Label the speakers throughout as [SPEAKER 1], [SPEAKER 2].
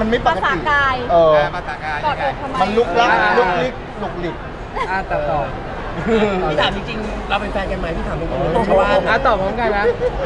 [SPEAKER 1] มันไม่ปกติ
[SPEAKER 2] ภาษากาย
[SPEAKER 3] ภาษากาย
[SPEAKER 2] กอดอกทำไม
[SPEAKER 1] มันลุกลักลุกลิกลุกลิก
[SPEAKER 4] ตัดต่อ
[SPEAKER 5] พี่ถามจริงๆเราเป็นแฟนกันไหมพี่ถามตรงๆเพราะว่า
[SPEAKER 4] ตอบพร้อมกันนะ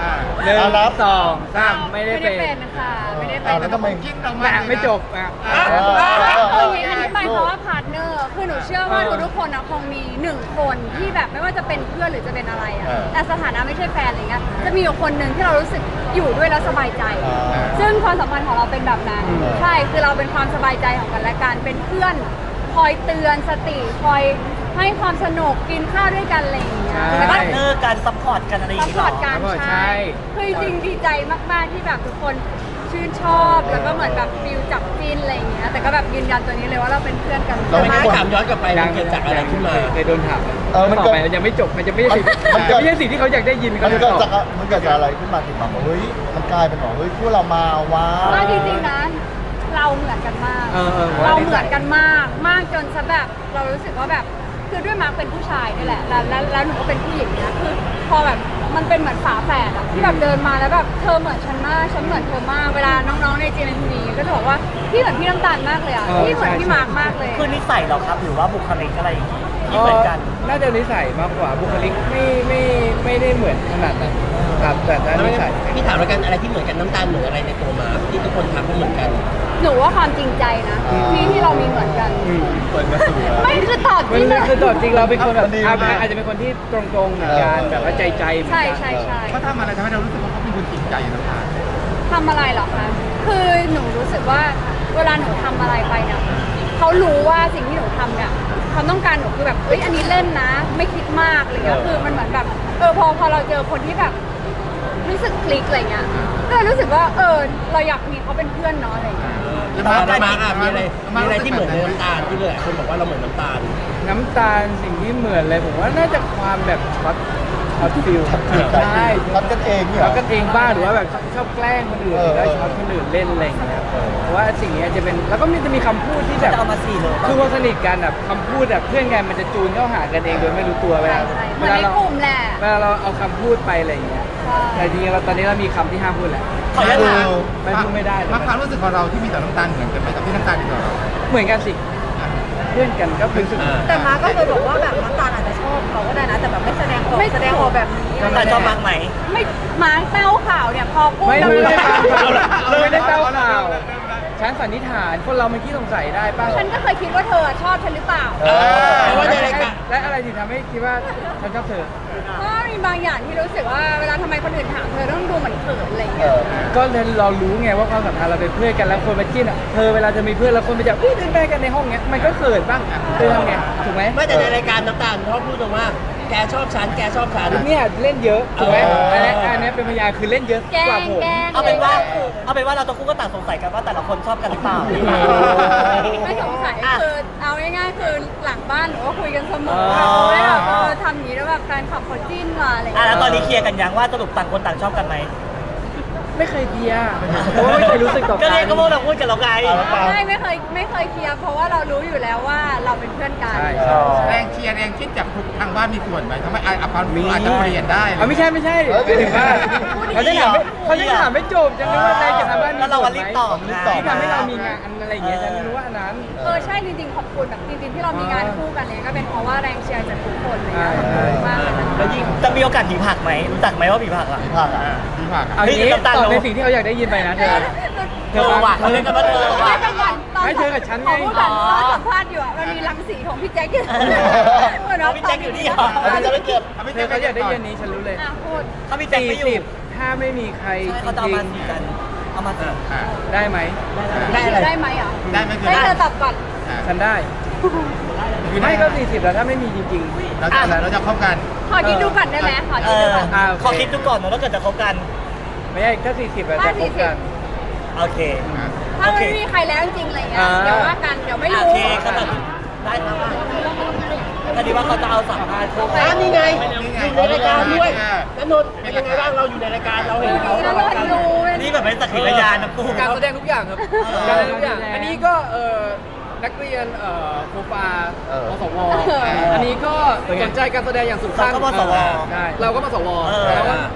[SPEAKER 4] 1 2 3ไม่ได้เป็น
[SPEAKER 2] ค่ะไม่ได้เป็น
[SPEAKER 1] แล้วทำไม
[SPEAKER 3] คิดออกมา
[SPEAKER 4] ไม่จบ
[SPEAKER 2] คืออย่างนี้ไปเพราะว่าพาร์ทเนอร์คือหนูเชื่อว่าทุกคนคงมี1 คนที่แบบไม่ว่าจะเป็นเพื่อนหรือจะเป็นอะไรอ่ะแต่สถานะไม่ใช่แฟนอะไรเงี้ยจะมีอยู่คนหนึ่งที่เรารู้สึกอยู่ด้วยแล้วสบายใจซึ่งความสัมพันธ์ของเราเป็นแบบนั้นใช่คือเราเป็นความสบายใจของกันและกันเป็นเพื่อนคอยเตือนสติคอยให้ความสนุกกินข้าวด้วยกันอะไรอย่างเงี้ย
[SPEAKER 5] แล้วก็เนอร์การซัพพอร์ตกันอะไรอย่างเงี้ย
[SPEAKER 2] ซัพพอร์ตกันใช่คือจริงดีใจมากๆที่แบบทุกคนชื่นชอบแล้วก็เหมือนแบบฟิลจับจิ้นอะไรอย่างเงี้ยแต่ก็แบบยืนยันตัวนี้เลยว่าเราเป็นเพื่อนกัน
[SPEAKER 5] เราไม่ถามย้อนกลับไปมันเกิดจากอะไรขึ้นมา
[SPEAKER 4] เคยโดนถามมันต่อไปยังไม่จบมันจะไม่ใช่สิ่งที่เขาอยากได้ยิน
[SPEAKER 1] มันเกิดจากอะไรขึ้นมาถึงแบบเฮ้ยมันกลายเป็นหรอเฮ้ยพวกเรามาว้าว
[SPEAKER 2] จริงๆนะเราเหมือนกันมากเราเหมือนกันมากจนซะแบบเรารู้สึกว่าแบบคือด้วยมาร์คเป็นผู้ชายนี่แหละแล้วหนูก็เป็นผู้หญิงเนี่ยคือพอแบบมันเป็นเหมือนฝาแฝดอะที่แบบเดินมาแล้วแบบเธอเหมือนฉันมากฉันเหมือนเธอมากเวลาน้องๆในJMTVก็จะบอกว่าพี่เหมือนพี่น้ำตาลมากเลยอะพี่เหมือนพี่มาร์คมากเลย
[SPEAKER 5] คือนิสัยเหรอครับหรือว่าบุคลิกอะไรอย่างงี้ที่เหมือนกัน
[SPEAKER 4] น่าจะนิสัยมากกว่าบุคลิกไม่ได้เหมือนขนาดนั้นครับแต่นิสัย
[SPEAKER 5] พี่ถามแล้วกันอะไรที่เหมือนกันน้ำตาลเหมือนอะไรในตัวมาที่ทุกคนทำก็เหมือนกัน
[SPEAKER 2] หนูว่าความจริงใจนะที่เรามีเหมือนกันไม่คือตอบจริง
[SPEAKER 4] คือตอบจริงเราเป็นคนแบบอาจจะเป็นคนที่ตรงๆเหมือนกันแบบว่าใจ
[SPEAKER 2] ใช่
[SPEAKER 3] เขาทำอะไรทำให้เรารู้สึกว่าเขาเป็นคนจริงใจน้ำตาล
[SPEAKER 2] ทำอะไรหรอคะคือหนูรู้สึกว่าเวลาหนูทำอะไรไปเนี่ยเขารู้ว่าสิ่งที่หนูทำเนี่ยความต้องการหนูคือแบบเอ้ยอันนี้เล่นนะไม่คิดมากอะไรเงี้ยคือมันเหมือนแบบพอเราเจอคนที่แบบรู้สึกคลิกอะไรเงี้ยก็รู้สึกว่าเราอยากมีเขาเป็นเพื่อนเนาะอะไรเงี้ย
[SPEAKER 5] แล้วมามีอะไรที่เหมือนในน้ำตาลที่เลยคนบอกว่าเราเหมือนน้ำตาล
[SPEAKER 4] สิ่งที่เหมือนเลยผมว่าน่าจะความแบบช็อตฟิลใช่
[SPEAKER 1] ช็อตกันเองเนี่ย
[SPEAKER 4] ช็อตกันเองบ้างหรือว่าแบบชอบแกล้งคนอื่นแล้วช็อตคนอื่นเล่นอะไรอย่างเงี้ยเพราะว่าสิ่งนี้จะเป็นแล้วก็จะมีคำพูดที่แบบ
[SPEAKER 5] เอามา4เลย
[SPEAKER 4] คือว่าสนิทกันแบบคำพูดแบบเพื่อนกันมันจะจูนเข้าหากันเองโดยไม่รู้ตัวเวลาเราเอาคำพูดไปอะไรอย่างเงี้ยแต่จริงๆตอนนี้เรามีคำที่ห้ามพูดแหละไม่พูดไม่ได้
[SPEAKER 3] มาความรู้สึกของเราที่มีต่อน้ำตาลเหมือนกันไหมกับที่น้ำตาลต่อเรา
[SPEAKER 4] เหมือนกันสิเพื่อนกันก็รู้สึก
[SPEAKER 2] แต่มาก็เคยบอกว่าแบบน้ำตาลอาจจะชอบเขาก็ได้นะแต่แบบไม่แสดงออกแบบนี้
[SPEAKER 5] น้ำตาลชอบมากไหม
[SPEAKER 2] ไม่มาเต้าข่าวเนี่ยพอพูด
[SPEAKER 4] ไม่ได้เต้าข่าวฉันสันนิษฐานคนเรามันขี้สงสัยได้ป่ะ
[SPEAKER 2] ฉันก็เคยคิดว่าเธอชอบฉันหรือเปล่า
[SPEAKER 4] และอะไรที่ทำให้คิดว่าฉันชอบเธอ
[SPEAKER 2] ก็มีบางอย่างที่รู้สึกว่าเวลาทำไมคนอื่นถามเธอต้องดูเหมือนเขินอะไรอย่างเงี้ย
[SPEAKER 4] ก็เรารู้ไงว่าความสัมพันธ์เราเป็นเพื่อนกันแล้วคนมาจิ้นเธอเวลาจะมีเพื่อนแล้วคนไปจับเดินไปกันในห้องเงี้ยมันก็เขินบ้างเธอทำไงถูกไหม
[SPEAKER 5] ไม่แต่ในรายการน้ำตาลเขาพูดตรงว่าแกชอบฉัน
[SPEAKER 4] เนี่ยเล่นเยอะถูกไหมอันนี้เป็นพยานคือเล่นเยอะกว่าผม
[SPEAKER 5] เอาเป็นว่าเราต้องคู่ก็ต่างสงสัยกันว่าแต่ละคนชอบกันหรือเปล่า
[SPEAKER 2] ไม่สงสัยคือเอาง่ายๆคือหลังบ้านหนูก็คุยกันเสมอไม่แบบทำอย่างนี้แล้วแบบแฟนคลับเขาจิ้นมาอะไรอย่างเงี้ย
[SPEAKER 5] แล้วตอนนี้เคลียร์กันยังว่าสรุปต่างคนต่างชอบกันไหม
[SPEAKER 4] ไม่เคยเคลียร์เพราะว่าไม่เคยรู้สึกต่อกัน
[SPEAKER 5] ก็เลยก็พวกเราพูดกันเราไง
[SPEAKER 2] ไม่เคยเคลียร์เพราะว่าเรารู้อยู่แล้วว่าเราเป็นเพื่อนกัน
[SPEAKER 3] แรงเชียร์แรงคิดจากทางบ้านมีส่วนไหมทำไมความรู้อาจจะเปลี่ยนได้
[SPEAKER 4] ไม่ใช่หมายถึงว่าเขาจะถามไม่จบจะรู้ว่าแรงจากทางบ้านมีส่วนไหม
[SPEAKER 5] แล้วเรารีบตอบ
[SPEAKER 4] ที่ทำให้เรามีงานอะไรอย่างเงี้ยฉันรู้ว่าอันนั้น
[SPEAKER 2] ใช่จริงๆขอบคุณแบบจริงๆที่เรามีงานคู่กันเนี่ยก็เป็นเพราะว่าแรงเชียร์จากทุกคนเลยนะมากเลย
[SPEAKER 5] แล้วยิ่งจะมีโอกาสผีผักไหมรู้จักไหมว่าผีผักอ่ะ
[SPEAKER 1] ผีผัก
[SPEAKER 4] เอาอย่างนี้ตอบในสิ่งที่เขาอยากได้ยินไปนะเธอ
[SPEAKER 5] ว่ะเขาเรียกกันว่าเธอว่ะ
[SPEAKER 4] ไม่เธอกับฉันไง
[SPEAKER 2] พูดกันสัมภาษณ์อยู่อ่ะมันมีรังสีของพี่แจ็ค
[SPEAKER 5] พี่แจ็คอยู่นี่เหรอจะไม่เก็บ
[SPEAKER 4] เธอเขาอยากได้ยินนี้ฉันรู้เลย
[SPEAKER 2] พูด
[SPEAKER 5] เขาพี่แจ็คไม่อยู่
[SPEAKER 4] ถ้าไม่มีใคร
[SPEAKER 5] เขาจะเอามาสีกันเอามา
[SPEAKER 4] ได้ไหม
[SPEAKER 2] ได้ไหมอ่ะ
[SPEAKER 3] ได้ไหม
[SPEAKER 2] ได้เธอตอบก่อน
[SPEAKER 4] ฉันได้ไม่ก็40แล้วถ้าไม่มีจริงๆ
[SPEAKER 3] เราจะคบกัน
[SPEAKER 2] ขอคิดดูก่อนได้ไหมขอคิดดูก่อน
[SPEAKER 5] ขอคิดดูก่อนนะถ้าเกิดจะคบกัน
[SPEAKER 4] ไม่ใช่ก็40แล้วจะคบกัน
[SPEAKER 5] โอเค
[SPEAKER 2] ถ้าไม่มีใครแล้วจริงๆอะไรเงี้ยเดี๋ยวว่ากันเดี๋ยวไม่รู้
[SPEAKER 5] โอเคก็แบบได้ครับพอดีว่าเขาจะเอาสัมภาษณ์นี่ไงอยู่ในรายการด้วยนนท์เป็นยังไงบ้างเราอยู่ในรายการเราเห็นเขานี่แบบเป็นสักขีพยานนะกู
[SPEAKER 4] การแสดงทุกอย่างครับการแสดงทุกอย่างอันนี้ก็นักเรียนโคฟาปสวอันนี้ก็สนใจการแสดงอย่างสุดขั้น
[SPEAKER 5] เราก็ปสว
[SPEAKER 4] เราก็ปสวแล้วก็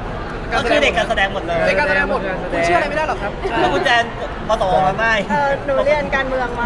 [SPEAKER 5] ก็คือเด็กการแสดงหมดเลย
[SPEAKER 4] เด็กการแสดงหมดคุณเชื่ออะไรไม่ได้หรอกครับ
[SPEAKER 5] แล้วคุณแจนปตมาไม่
[SPEAKER 2] หนูเรียนการเมืองมา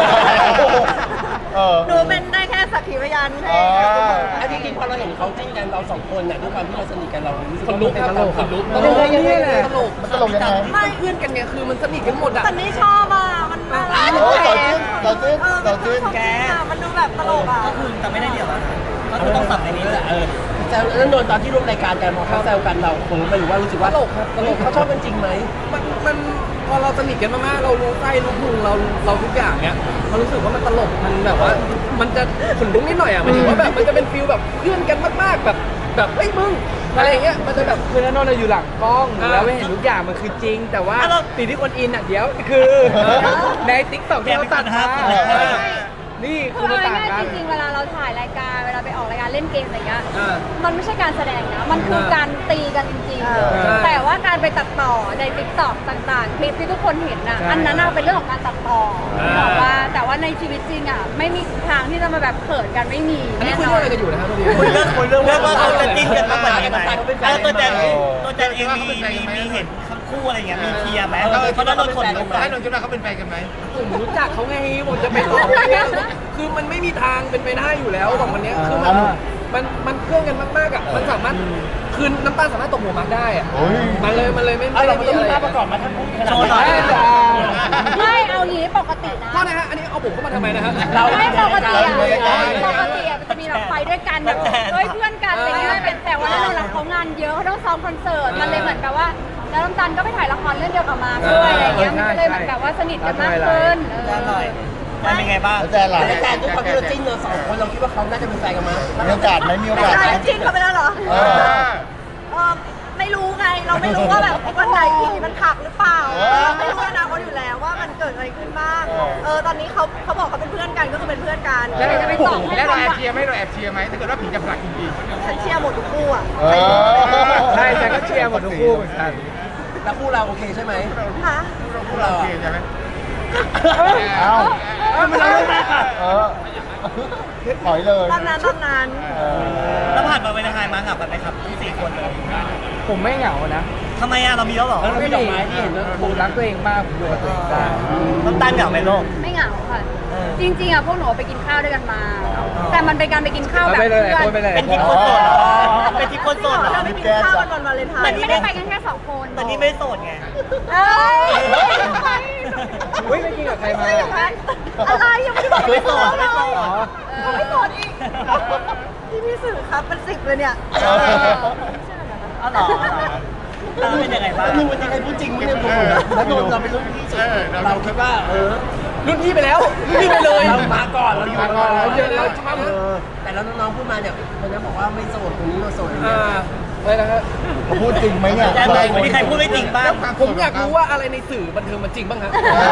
[SPEAKER 2] หนูเป็นได้แค่สักขีพยานให้
[SPEAKER 5] ไอ้จริงๆพอเราเห็นเขาจิ้นกันเราสองคนเนี่ยด้วยความที่เราสนิทกันเรารู้สึก
[SPEAKER 4] คนลุก
[SPEAKER 5] เป็น
[SPEAKER 4] ตลกคนลุก
[SPEAKER 5] ตลกยังไงแหละ
[SPEAKER 4] ตลก
[SPEAKER 1] มันตลกยังไง
[SPEAKER 4] ไม่เพื่อนกันไงคือมันสนิทกันหมดอ่ะ
[SPEAKER 2] แต่นี่ชอบอ่ะ มันน่ารัก
[SPEAKER 1] โอ้ต่อจิ้นต่อจิ้นต่อจิ้น
[SPEAKER 5] แก
[SPEAKER 2] มันดูแบบตลกอ่ะ
[SPEAKER 5] ก็คือแต่ไม่ได้เดี่ยวก็คือต้องสับในนี้แหละแล้วโดนตอนที่ร่วมรายการกันพอเขาแซวกันเราคงไม่รู้ว่ารู้สึกว่าตลกครับตลกเขาชอบกันจริงไหม
[SPEAKER 4] มันพอเราสนิทกันมากๆเรารู้ไส้รู้พุงเราทุกอย่างเนี้ยเรารู้สึกว่ามันตลกมันแบบว่ามันจะขนลุกนิดหน่อยอ่ะหมายถึงว่าแบบมันจะเป็นฟิลแบบเพื่อนกันมากๆแบบเฮ้ยมึงอะไรอย่างเงี้ยมันจะแบบคือนั่นเราอยู่หลังกล้องแล้วไม่เห็นทุกอย่างมันคือจริง แต่ว่าสิ่งที่คนอินอ่ะเดี๋ยวคือในติ๊กต็อกที่เขาตัดมานี่
[SPEAKER 2] คื
[SPEAKER 4] คือ อ
[SPEAKER 2] เอา
[SPEAKER 4] มันต่าง
[SPEAKER 2] ง่าย
[SPEAKER 4] กั
[SPEAKER 2] ๆ
[SPEAKER 4] น
[SPEAKER 2] จริงๆ เวลาเราถ่ายรายการ เวลาไปออกรายการเล่นเกมอะไรเงี้ย
[SPEAKER 4] อ่า
[SPEAKER 2] มันไม่ใช่การแสดงนะ มันคือการตีกันจริง
[SPEAKER 4] ใช่
[SPEAKER 2] ๆ แต่ว่าการไปตัดต่อในติ๊กต็อกต่างๆ คลิปที่ทุกคนเห็นน่ะ
[SPEAKER 4] ใช่
[SPEAKER 2] อันนั้นน่ะเป็นเรื่องของการตัดต่อ
[SPEAKER 4] อ่า
[SPEAKER 2] บอกว่าแต่ว่าในชีวิตจริงอ่ะ ไม่มีทางที่จะมาแบบเขินกันไม่มี
[SPEAKER 4] อันนี้
[SPEAKER 2] แน่
[SPEAKER 4] คุย
[SPEAKER 2] นอ
[SPEAKER 4] เรื่องอะไรกันอยู่นะครับตอนนี้
[SPEAKER 5] คุยเรื่องว่าเขาจะจิ้นกันมากกว่านี้ไหมตัวแจนเองมีเห็นทั้งคู่อะไรอย่างเงี้ยมีเคลียร์ไหมเพราะนั้นเราคนรู้ไหม
[SPEAKER 3] ให้นนท์คิดว่าเขาเป็นแฟนกันไหม
[SPEAKER 4] ผมรู้จักเขาไงผมจะไปบอกคือมันไม่มีทางเป็นไปได้อยู่แล้วสองคนเนี้ยคือมันเพื่อนกันมากๆอ่ะมันสามารถคือน้ำตาลสามารถตกหัวมักได้อ่ะ
[SPEAKER 1] โอ้ย
[SPEAKER 4] มันเลยไม่
[SPEAKER 5] เราต้องมีภาพประกอบมาทั้งคู่ขนาด
[SPEAKER 4] โชว์หน่อย
[SPEAKER 2] ไม่เอางี้ปกตินะ
[SPEAKER 4] โทษนะฮะอันนี้เอาผมเข้ามาทำไมนะฮะ
[SPEAKER 2] ไม่ปกติอ่ะ
[SPEAKER 1] เราอยู่ในรายการ
[SPEAKER 2] ปกติอ่ะมันจะมีแบบไปด้วยกันแบบเฮ้ยเพื่อนกันอะไรเงี้ยแต่ว่าเราหลังเขางานเยอะเขาต้องซ้อมคอนเสิร์ตมันเลยเหมือนกับว่าแล้วน้ำตาลก็ไปถ่ายละครเรื่องเดียวกับมาร์คด้วยอะไรเงี้ยมันก็เลยเหมือนกับว่าสนิทกันมากขึ้น
[SPEAKER 5] แจนหน่อยแจนเป็นไงบ้าง
[SPEAKER 1] แล้วแจนล่ะ
[SPEAKER 5] แล้วแจนด้วยความที่เราจิ้นเราสองคนเราคิดว่าเขาน่าจะเป็นแฟนกันมั้ย
[SPEAKER 1] มีโอกาสไหมมีโอกาสไหม
[SPEAKER 2] จิ้นเขาไปแล้วเหรอ
[SPEAKER 1] เออ
[SPEAKER 2] ไม่รู้ไง เราไม่รู้ว่าแบบวันไหนผีมันขับหรือเปล่า ไม่รู้อนาคตอยู่แล้วว่ามันเกิดอะไรขึ้นบ้าง ตอนนี้เขาบอกเขาเป็นเพื่อนกันก็คือเป็นเพื่อนกัน
[SPEAKER 3] แล้ว
[SPEAKER 2] จะไปตอบให้
[SPEAKER 3] แล้วเรา
[SPEAKER 2] ฟัง
[SPEAKER 3] แอบ
[SPEAKER 2] ว่า
[SPEAKER 3] เชียร์ไหมเราแอบเชียร์ไหมถ้าเกิดว่าผีจะผลักจริง
[SPEAKER 2] ฉันเชียร์หมดทุกคู่อ่ะ
[SPEAKER 1] เออ
[SPEAKER 4] ใช่แต่ก็เชียร์หมดทุกคู่เหมือนกัน
[SPEAKER 5] แล้วคู่เราโอเคใช่ไหม
[SPEAKER 2] ค่ะ
[SPEAKER 3] ๆคู่เราโอเคใช่ไหม
[SPEAKER 1] เอ้า
[SPEAKER 5] มันเราไม่ได้ค่ะ
[SPEAKER 1] เออถอยเลย
[SPEAKER 2] ตอนนั้น
[SPEAKER 1] เออ
[SPEAKER 5] แล้วผ่านมาเป็นไฮมาเหงากันไหมครับที่สี่คนเลย
[SPEAKER 4] ผมไม่เหงานะ
[SPEAKER 5] ทำไมอ่ะเรามีแล้วเหรอไม่ดอกไม้ที่เห็นแล้ว
[SPEAKER 4] ผมรักตัวเองมากผมอยู่กับตัวเองได้
[SPEAKER 5] น้ำตาลเหงาไหมโลก
[SPEAKER 2] ไม่เหงาค่ะ จริงๆอ่ะพวกหนูไปกินข้าวด้วยกันมา แต่มันเป็นการไปกินข้าวแบบ
[SPEAKER 4] ไปเลย
[SPEAKER 2] เพื่อน
[SPEAKER 4] ไปเลย
[SPEAKER 5] เป็นทริปคนโสดเหรอเป็นทริปคนโสดเหรอ
[SPEAKER 2] เราไปกินข้าวกันวันวาเลนไทน์ไม่ได้ไปกันแค่2 คน
[SPEAKER 5] แต่นี่ไม่โสดไง
[SPEAKER 2] เอ้ย
[SPEAKER 4] เฮ้ยไม่กินกับใครมา
[SPEAKER 2] ไม่อย่างนั้นอะไรยังไม่ได้บอกไม่โสดเลย
[SPEAKER 4] อ๋อ
[SPEAKER 2] ไม่โสดอีกที่พี่สื่อครับเป็น10เลยเนี่ย
[SPEAKER 5] อ๋อเหรอแล้วเป็นยังไงบ้างวันนี้ใครพูดจริงไม่ได้พูดแล้วโดนเราเป็นรุ่นพี่สุดเราคิดว่า
[SPEAKER 4] รุ่นพี่ไปแล้วรุ่นพี่ไปเลย
[SPEAKER 5] เรามาก่อนเราอยู่มาก่อน
[SPEAKER 4] เราเยอะแล้วใช่ไหม
[SPEAKER 5] แต่แล้วน้องๆพูดมาเนี่ยคนนั้นบอกว่าไม่โสดคนนี้มาโสด
[SPEAKER 4] อะไรนะครับ
[SPEAKER 1] เขาพูดจริงไหมเนี่ย
[SPEAKER 5] แต่มีใครพูดไม่จริงบ้าง
[SPEAKER 4] ผมอยากรู้ว่าอะไรในสื่อบันเทิงมันจริงบ้างฮะ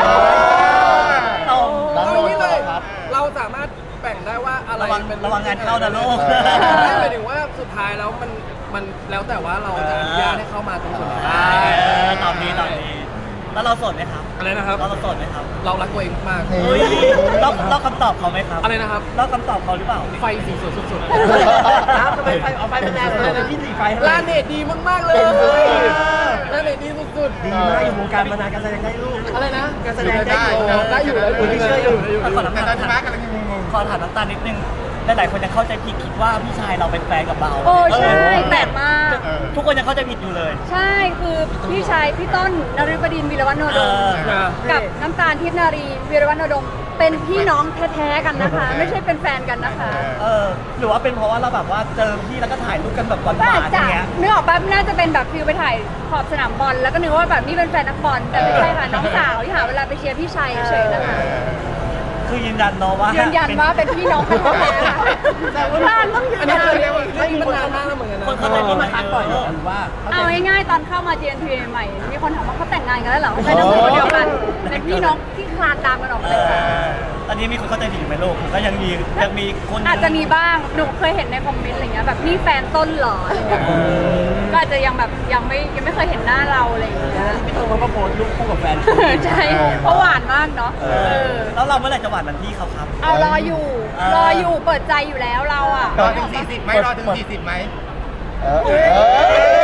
[SPEAKER 5] เรา
[SPEAKER 4] เอาอย่างนี้เลยเราสามารถแบ่งได้ว่าอะไรเป็น
[SPEAKER 5] ระวังงานเข้านะลูก
[SPEAKER 4] หมายถึงว่าสุดท้ายแล้วมันแล้วแต่ว่าเราจะอนุญาตให้เข้ามาตรงส่วนไหน
[SPEAKER 5] ตอบดีแล้วเราโสดไหมครับ
[SPEAKER 4] อะไรนะครับ
[SPEAKER 5] เราโสดไหมครับ
[SPEAKER 4] เรารักตัวเองมาก
[SPEAKER 1] นี่
[SPEAKER 5] เฮ้ยเราคำตอบเขาไหมครับ
[SPEAKER 4] อะไรนะครับ
[SPEAKER 5] เราคำตอบเขาหรือเปล่า
[SPEAKER 4] ไฟสีสวยสุด
[SPEAKER 5] ทำไมไฟเอาไฟมันแรงเลยพี่สีไฟ
[SPEAKER 4] ๆลาเนตดีมากๆเลยลาเนตดีสุด
[SPEAKER 5] ดีมากอยู่วงการมานานการแสดงได้ลูก
[SPEAKER 4] ๆอะไรนะ
[SPEAKER 5] การแสดงได้อยู่
[SPEAKER 4] ได้อยู่แล้ว
[SPEAKER 5] ไม่เชื่ออยู่
[SPEAKER 3] แต่ตอนที่มาร์กกำลังงง
[SPEAKER 5] ขอถามน้ำตาลนิดนึงหลายๆคนยังเข้าใจผิดคิดว่าพี่ชายเราเป็นแฟนกับเรา
[SPEAKER 2] โอ้ใช่แปลกมาก
[SPEAKER 5] ทุกคนยังเข้าใจผิดอยู่เลย
[SPEAKER 2] ใช่คือพี่ชายพี่ต้นนฤบดินทร์วีรวัฒนโนดมกับน้ำตาลทิพย์นารีวีรวัฒนโนดมเป็นพี่น้องแท้ๆกันนะคะ ไม่ใช่เป็นแฟนกันนะคะ
[SPEAKER 5] หรือว่าเป็นเพราะว่าเราแบบว่าเจอพี่แล้วก็ถ่ายรูปกันแบบหวาน
[SPEAKER 2] ก็
[SPEAKER 5] ๆ
[SPEAKER 2] อาจ
[SPEAKER 5] อ
[SPEAKER 2] จะ
[SPEAKER 5] ย่างเงี้ย
[SPEAKER 2] นึกออกป่ะน่าจะเป็นแบบฟิลไปถ่ายขอบสนามบอลแล้วก็นึกว่าแบบนี่เป็นแฟนนักบอลแต่ไม่ใช่ค่ะน้องสาวที่หาเวลาไปเชียร์พี่ชายเฉยๆนะคะ
[SPEAKER 5] คือยืนยันเนาะว่า
[SPEAKER 2] ยืนยันว่าเป็นพี่น้องกันแท้ๆค่ะแต่ว่าบ้านต้องยืน
[SPEAKER 4] อัน
[SPEAKER 2] ยั
[SPEAKER 4] นี้
[SPEAKER 2] น
[SPEAKER 4] คือเรื่องนี้มันนานมากแล้วเหมือนกันนะ
[SPEAKER 5] คนเข้าใจผิดมาทักบ่อยเหรอหรือว่า
[SPEAKER 2] เอาง่ายๆตอนเข้ามา GNT ใหม่มีคนถามว่าเขาแต่งงานกันแล้วเหรอไม่ใช่น้องคนเดียวกันเป็นพี่น้องที่คลานตามกันออกไปเลยค่ะ
[SPEAKER 5] ตอนนี้มีคนเข้าใจผิดอยู่ไหมลูกก็ยังมีคน
[SPEAKER 2] อาจจะมีบ้างหนูเคยเห็นในคอมเมนต์อะไรเงี้ยแบบนี่แฟนต้นเหรออะไรเงี้ยก็อาจจะยังแบบยังไม่เคยเห็นหน้าเราอะไรอย่างเงี้ย
[SPEAKER 5] พี่ต้นเขาก็โพสต์รูปคู่กับแฟน
[SPEAKER 2] ใช่เพราะหวานมากเนาะ
[SPEAKER 5] แล้วเราเมื่อไหร่จะหวานเหมือนพี่เขาครับ
[SPEAKER 2] เอารออยู่เปิดใจอยู่แล้วเราอ่ะ
[SPEAKER 3] ๆรอถึง40ไหมรอถึง40ไหม
[SPEAKER 1] เออ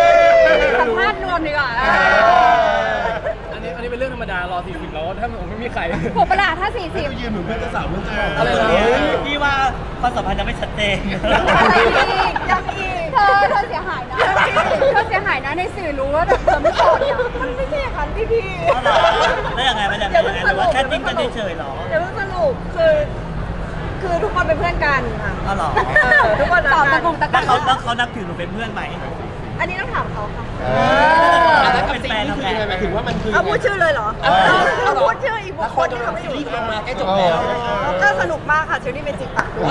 [SPEAKER 2] สัมภาษณ์รวมดีกว่า
[SPEAKER 4] อันนี้เป็นเรื่องธรรมดารอ40แล้วถ้าผมไม่มีใคร
[SPEAKER 2] ผมประหลาดถ้า 40
[SPEAKER 1] ยืนเหมือนเพื่อนเจ้าสาวเพื่อนเจ้า
[SPEAKER 4] อะไรนะ
[SPEAKER 5] พี่ว่าความสัมพันธ์ยังไม่ชัดเจน
[SPEAKER 2] อะไรอีกยังอีกเธอเสียหายนะเธอเสียหายนะในสื่อรู้ว่าแบบเธอไม่โสดเนี่ยมันไม่ใช่อย่างนั้นพี่
[SPEAKER 5] แล้วยังไงมันยังไงหรือว่าแค่ติ้งกันเฉยๆหรอ
[SPEAKER 6] เดี๋ยวเพิ่งสรุปคือทุกคนเป็นเพื่อนกันค่ะ
[SPEAKER 5] อ๋อเหรอ
[SPEAKER 6] ทุกคนรัก
[SPEAKER 2] ตอบ
[SPEAKER 6] กั
[SPEAKER 2] ตะ
[SPEAKER 6] น
[SPEAKER 2] กงตะ
[SPEAKER 5] แล้
[SPEAKER 2] กั
[SPEAKER 5] วน เขานับถือหนูเป็นเพื่อนไหม
[SPEAKER 6] อันนี้ต้องถามเขาค่ะ
[SPEAKER 5] แล้วเป็นแฟนทำไง
[SPEAKER 1] หมายถึงว่ามันคือ
[SPEAKER 6] เอาพูดชื่อเลยเหรอเอาพูดชื่ออีกบุคคลที่เขาไม่อยู่
[SPEAKER 1] รีบมาแค่จบแล้ว
[SPEAKER 6] ก็สนุกมากค่ะเชอรี่เป็นจิตปากด้วย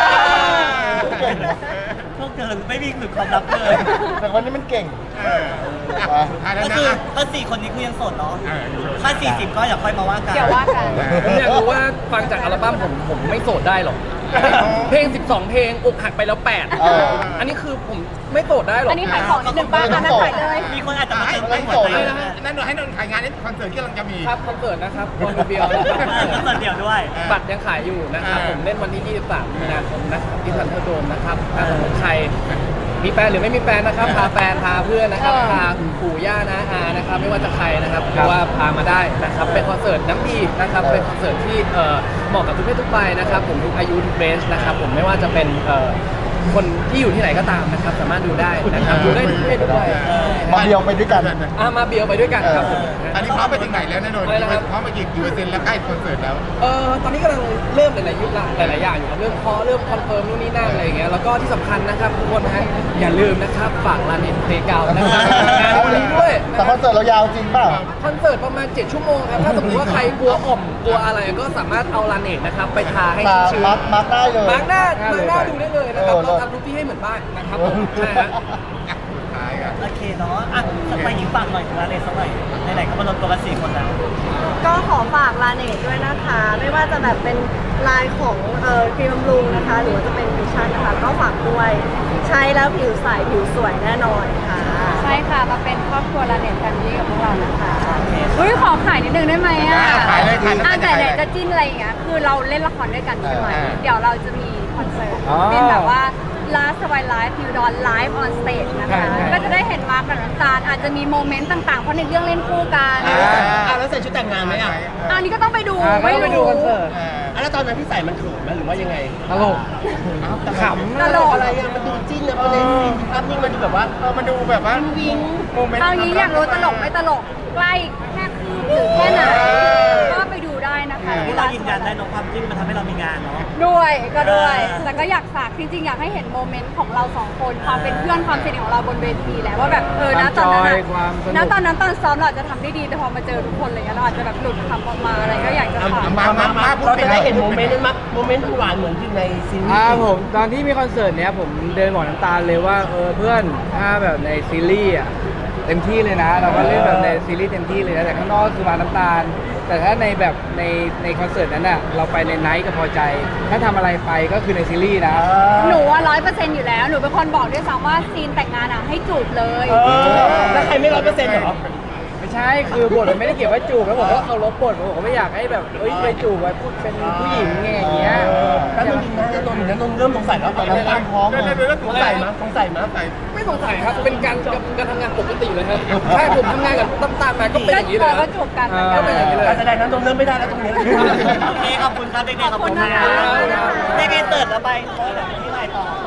[SPEAKER 5] พวกเธอไม่มีหรือความลับเลย
[SPEAKER 1] แต่วันนี้มันเก่ง
[SPEAKER 5] ก็คือถ้า4 คนนี้คือยังโสดเนาะถ้า40ก็อย่าค่อยมาว่ากัน
[SPEAKER 2] เดี๋ยวว่ากัน
[SPEAKER 4] ผมอยากรู้ว่าฟังจากอัลบั้มผมไม่โสดได้หรอก เพลง 12 เพลงอกหักไปแล้ว 8 อันนี้คือผมไม่โสดได้หรอก
[SPEAKER 2] อันนี้ขายของนิดนึงป้าอันนั้นขายเลย
[SPEAKER 5] มีคนอาจจะมาเติม
[SPEAKER 1] ไม่
[SPEAKER 5] หัว
[SPEAKER 1] โสด
[SPEAKER 5] ใจ
[SPEAKER 1] เลย
[SPEAKER 5] นะ
[SPEAKER 3] นั่นให้นนท์ขายงานในคอนเสิร์ตที่กำลังจะมี
[SPEAKER 4] ครับคอนเสิร์ตนะครับโอนเบียวนะครับ
[SPEAKER 5] คอนเสิร์ตเดี่ยวด้วย
[SPEAKER 4] บัตรยังขายอยู่นะครับ ผมเล่นวันที่ 23 มีนาคมนะครับที่ซันเทอร์โดมนะครับถ้าสมมติใครมีแฟนหรือไม่มีแฟนนะครับ พาแฟนพาเพื่อนนะครับ พาปู่ย่านะอานะครับ ไม่ว่าจะใครนะครับเพราะว่าพามาได้นะครับ เป็นคอนเสิร์ตน้ำดีนะครับ เป็นคอนเสิร์ตที่เหมาะกับทุกเพศทุกวัยนะครับ ผมทุกอายุทุกเรนจ์นะครับ ผมไม่ว่าจะเป็นคนที่อยู่ที่ไหนก็ตามนะครับ สามารถดูได้นะครับ ดูได้ทุกเพศทุกวัย
[SPEAKER 1] มาเดียวไปด้วยกัน
[SPEAKER 4] มาเบียวไปด้วยกันครับผม
[SPEAKER 3] อันนี้พร้อมไปถึงไหนแล้วนะนนท์พร้อมไปกี่เปอร์เซ็นต์แล้วใกล้คอนเสิร์ตแล้ว
[SPEAKER 4] ตอนนี้กำลังเริ่มหลายๆยุคหลายๆอย่างอยู่ครับเริ่มคอนเฟิร์มนู่นนี่นั่นอะไรอย่างเงี้ยแล้วก็ที่สำคัญนะครับทุกคนนะฮะอย่าลืมนะครับฝากร้านเน็ตเพลย์เก่านะครับงานวันนี้ด้วย
[SPEAKER 1] แต่คอนเสิร์ตเรายาวจริงเปล่า
[SPEAKER 4] คอนเสิร์ตประมาณ7 ชั่วโมงครับถ้าสมมติว่าใครกลัวกลัวอะไรก็สามารถเอาร้านเน็ตนะครับไปทาให้ชื้น
[SPEAKER 1] มาร์คได้เลย
[SPEAKER 4] มาร์กหน้าดูได้เลยนะครับเราทำทุกที่ให้เหมือนบ้านนะครับผมใช่ฮะ
[SPEAKER 3] ขายกัน
[SPEAKER 5] โอเคเนาะอ่ะไปหญิงฝากหน่อยถึงร้านเลยสักหน่อยไหนๆก็มารวมตัวกัน4 คนแล้ว
[SPEAKER 6] ก็ขอฝากลาเนตด้วยนะคะ ไม่ว่าจะแบบเป็นลายของครีมบำรุงนะคะ หรือว่าจะเป็นฟิวชั่นนะคะ ก็ฝากด้วยใช้แล้วผิวใสผิวสวยแน่นอนค่ะ
[SPEAKER 2] ใช่ค่ะ มาเป็นครอบครัวลาเน็ตแฟมิลี่กับพวกเรานะคะอุ้ยขอขายนิดนึงได้ไหมอ่ะ
[SPEAKER 3] ขายเลยขายเลย
[SPEAKER 2] แต่ไหนจะจิ้นอะไรอย่างเงี้ย คือเราเล่นละครด้วยกันใช่ไหม เดี๋ยวเราจะมีคอนเสิร์ต เป็นแบบว่า Last Why Live ฟิวดอน Live on Stage นะคะ ก็จะได้เห็นมาร์คกับน้ำตาลอาจจะมีโมเมนต์ต่างๆ เพราะในเรื่องเล่นคู่กัน
[SPEAKER 5] แล้วใส่ชุดแต่งงานไหมอ่ะ
[SPEAKER 2] อันนี้ก็ต้องไปดู
[SPEAKER 4] ไม่ไปดูคอนเสิร์ต
[SPEAKER 5] แล้วตอนนั้นพี่ใส่มันเขินไหมหรือว่ายังไง
[SPEAKER 4] ตลกขำ
[SPEAKER 2] ตลก
[SPEAKER 5] อะไรอ่ะมันดูจิ้นนะมันในซีนภาพนิ่งมันดูแบบว่า
[SPEAKER 3] มันดูแบบว่าโมเมนต์
[SPEAKER 2] เอางี้อยากรู้ตลกไม่ตลก ใกล้แค่คืบหรือแค่ไหน ก็ไปดูได้นะคะ
[SPEAKER 5] ที่เรายืนยันได้เนอะความจิ้นมันทำให้เรามีงานเนาะ
[SPEAKER 2] ด้วยก็ด้วย แต่ก็อยากฝากจริงๆ อยากให้เห็นโมเมนต์ของเราสองคน ความเป็นเพื่อนความสนิทของเราบนเวทีแหละว่าแบบนะตอนนั้น
[SPEAKER 4] ความสนุก
[SPEAKER 2] นะตอนนั้นตอนซ้อมเราอาจจะทำได้ดีแต่พอมาเจอทุกคนอะไรเงี้ยเราอาจจะแบบหลุดคำออกมาอะไรก็อยากจะฝาก
[SPEAKER 5] เราจะได้เห็นโมเมนต์นั้นมั้ยโมเมนต์หวานเหมือนที่ในซีรีส์
[SPEAKER 4] ผมตอนที่มีคอนเสิร์ตเนี้ยผมเดินบอกน้ำตาลเลยว่าเพื่อนถ้าแบบในซีรีส์อ่ะเต็มที่เลยนะ เราก็เล่นแบบในซีรีส์เต็มที่เลยนะแต่ข้างนอกคือมาน้ำตาล แต่ถ้าในแบบในคอนเสิร์ตนั้นอ่ะเราไปในไนท์ก็พอใจ ถ้าทำอะไรไปก็คือในซีรีส์นะ
[SPEAKER 2] หนูว่า100%อยู่แล้ว หนูเป็นคนบอกด้วยซ้ำว่าซีนแต่งงานอ่ะให้จูบเลย
[SPEAKER 5] แล้วใครไม่100%เหรอ
[SPEAKER 4] ไม่ใช่คือบทมันไม่ได้เกี่ยวกับจูบแล้วผมก็เคารพบทผมก็ไม่อยากให้แบบไปจูบไว้พูดเป็นผู้หญิงไงอย่างเงี้ย
[SPEAKER 5] แล้วนนท์เริ่มสงสัยแล้วตอนนั้น
[SPEAKER 1] ตั้งท้องเลย
[SPEAKER 5] สงสัยมั้ย
[SPEAKER 4] ไม่สงสัยครับเป็นการทำงานปกติเลยครับใช่ผมทำงานกับตามมาก็เป็นอย่างนี้เลย
[SPEAKER 2] ก็จูบกันเหมือนกั
[SPEAKER 4] ก็
[SPEAKER 2] น
[SPEAKER 4] เป็นอย่างนี้เลย
[SPEAKER 5] การแสดงนั้นนนท์เริ่มไม่ได้แล้วตรงนี้โอเคขอบคุณครับเด็กๆขอบคุณนะเด็กๆเติร์ดแล้วไปที่ไหนต่อ